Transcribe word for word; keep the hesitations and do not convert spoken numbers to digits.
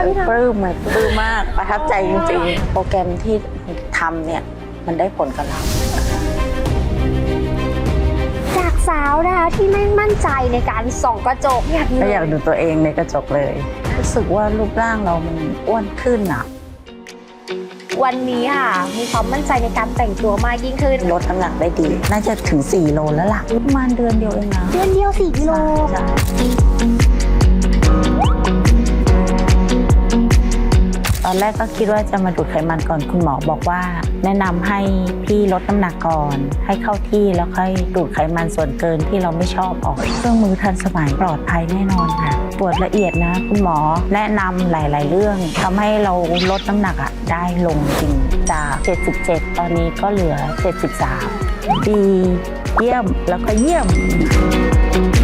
ปลื้มเลยปลื้มมากประทับใจจริงๆโปรแกรมที่ทำเนี่ยมันได้ผลกับเราจากสาวนะคะที่ไม่มั่นใจในการส่องกระจกอยากก็อยากดูตัวเองในกระจกเลยรู้สึกว่ารูปร่างเรามันอ้วนขึ้นอ่ะวันนี้ค่ะมีความมั่นใจในการแต่งตัวมากยิ่งขึ้นลดน้ำหนักได้ดีน่าจะถึงสี่โลแล้วล่ะประมาณเดือนเดียวเองนะเดือนเดียวสี่กิโลตอนแรกก็คิดว่าจะมาดูดไขมันก่อนคุณหมอบอกว่าแนะนำให้พี่ลดน้ำหนักก่อนให้เข้าที่แล้วค่อยดูดไขมันส่วนเกินที่เราไม่ชอบออกเครื่องมือทันสมัยปลอดภัยแน่นอนค่ะตรวจละเอียดนะคุณหมอแนะนำหลายๆเรื่องทำให้เราลดน้ำหนักอ่ะได้ลงจริงจากเจ็ดสิบเจ็ดตอนนี้ก็เหลือเจ็ดสิบสามดีเยี่ยมแล้วก็เยี่ยม